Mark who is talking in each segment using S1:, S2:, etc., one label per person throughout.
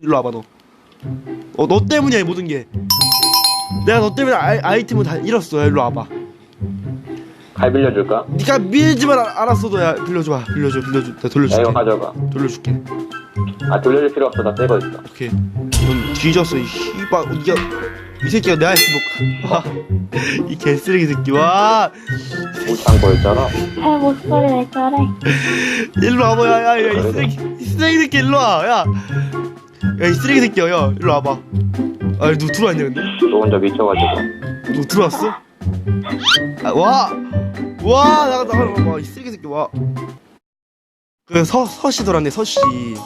S1: 일로 와봐 너. 너 때문이야 이 모든 게. 내가 너 때문에 아이템을 다 잃었어. 일로 와봐.
S2: 갈 빌려줄까?
S1: 네가 밀지만 알았어도 야 빌려줘. 내가 돌려줄게.
S2: 야 이거 가져가.
S1: 돌려줄게.
S2: 아 돌려줄 필요 없어. 나 새거 있어.
S1: 오케이. 넌 뒤졌어 이 씨발. 네가 이 새끼가 내 아이스복. 와이 개쓰레기 새끼. 와
S2: 못한 거였잖아.
S3: 아, 목소리 왜 저래?
S1: 일로 와봐. 야이 쓰레기 새끼 일로 와. 야 이 쓰레기 새끼야. 야 일로 와봐. 아 누구 들어왔냐 근데?
S2: 너 혼자 미쳐가지고.
S1: 누구 들어왔어? 와 나가 와 이 쓰레기 새끼 와. 그 서씨 돌았네 서씨.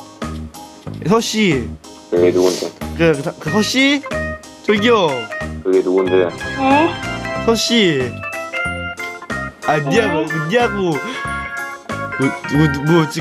S2: 그게 누군데?
S1: 그 서씨 저기요
S2: 그게 누군데?
S3: 네?
S1: 서씨. 아 니하고 뭐지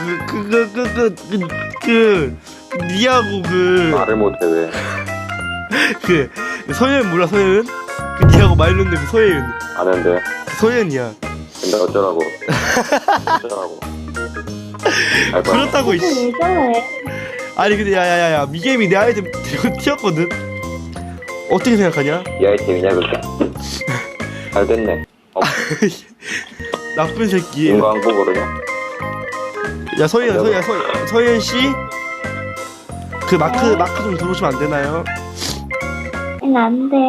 S1: 니하고
S2: 말을 못해 왜?
S1: 그 서예은 몰라 서예은? 그 니하고 말 놓는 그 서예은.
S2: 아는데.
S1: 그 서예은이야.
S2: 근데 어쩌라고? 어쩌라고? 알 거야.
S1: 그렇다고
S3: 왜
S1: 이씨.
S3: 저래?
S1: 아니 근데 야야야야 미게임이 내 아이템 들고 튀었거든. 어떻게 생각하냐?
S2: 이 아이템이냐 그게? 잘 됐네.
S1: 나쁜 새끼.
S2: 인거 안 보고 그러냐?
S1: 야 서예은 씨. 그 마크 좀 들어오시면 안 되나요?
S3: 안 돼.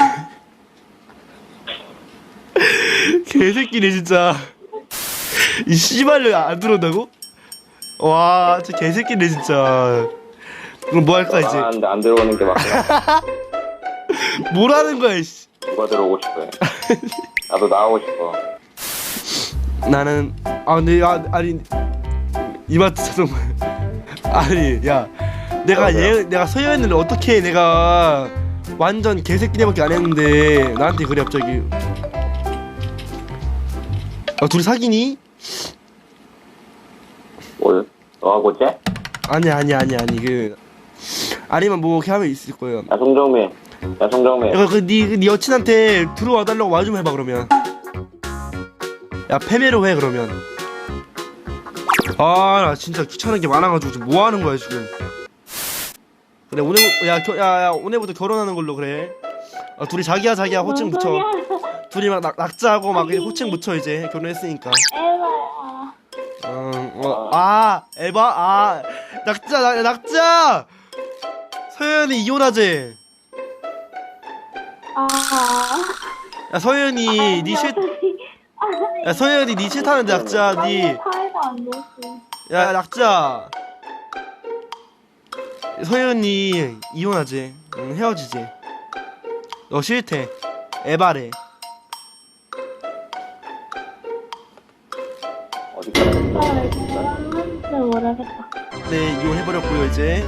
S1: 개새끼네 진짜. 이 씨발로 안 들어온다고? 와, 저 개새끼네 진짜. 그럼 뭐 할까 이제?
S2: 나가는데 안 들어오는 게 맞구나.
S1: 뭘 하는 거야 이씨.
S2: 누가 들어오고 싶어? 나도 나오고 싶어.
S1: 나는 근데 아니 이마트 자동차. 아니 야 내가 내가 서예은을 어떻게 내가 완전 개새끼네밖에 안 했는데 나한테 그래 갑자기. 둘이 사귀니?
S2: 뭘? 너하고 쟤?
S1: 아니 그 아니면 뭐 이렇게 하면 있을 거예요.
S2: 야 송정민.
S1: 이거 네 여친한테 들어와 달라고 말 좀 해봐 그러면. 야 패배로 해 그러면. 나 진짜 귀찮은 게 많아가지고 지금 뭐 하는 거야 지금. 그래 오늘 야 오늘부터 결혼하는 걸로 그래. 둘이 자기야 호칭 붙여.
S3: 뭔 소리야?
S1: 둘이 막 낙자하고 막 호칭 붙여 이제 결혼했으니까.
S3: 에바야.
S1: 에바 낙자. 서현이 이혼하재. 야 서현이 니 서현이 니 싫다는데 낙자 니.
S3: 사이가 안 좋지.
S1: 야 낙자. 서현이 이혼하재. 헤어지재. 너 싫대. 에바래.
S2: 어디까지?
S3: 사람한테 모르겠다.
S1: 네 이혼해버렸고요 이제.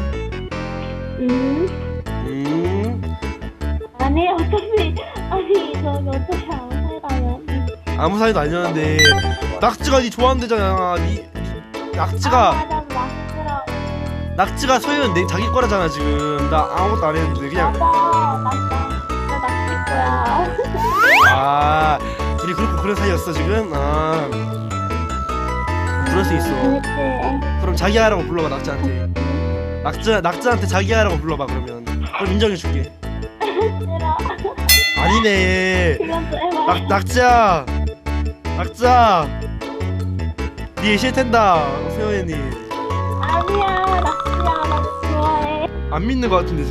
S3: 아니 어차피 저기 어차피 아무 사이가 아니야.
S1: 아무 사이도 아니었는데 낙지가 니 좋아한대잖아. 낙지가 낙지가 서현 내 자기 거라잖아 지금. 나 아무것도 안 했는데 그냥.
S3: 맞아. 나 거야.
S1: 둘이 그렇고 그런 사이였어 지금. 그럴 수 있어.
S3: 그렇지.
S1: 그럼 자기야라고 불러봐 낙지한테. 낙지한테 자기야라고 불러봐 그러면. 그럼 인정해줄게.
S3: 싫어.
S1: 아니네.
S3: 이건 또 에바.
S1: 낙지야 니 싫텐다 서현이.
S3: 아니야. 나 좋아해.
S1: 안 믿는 거 같은데.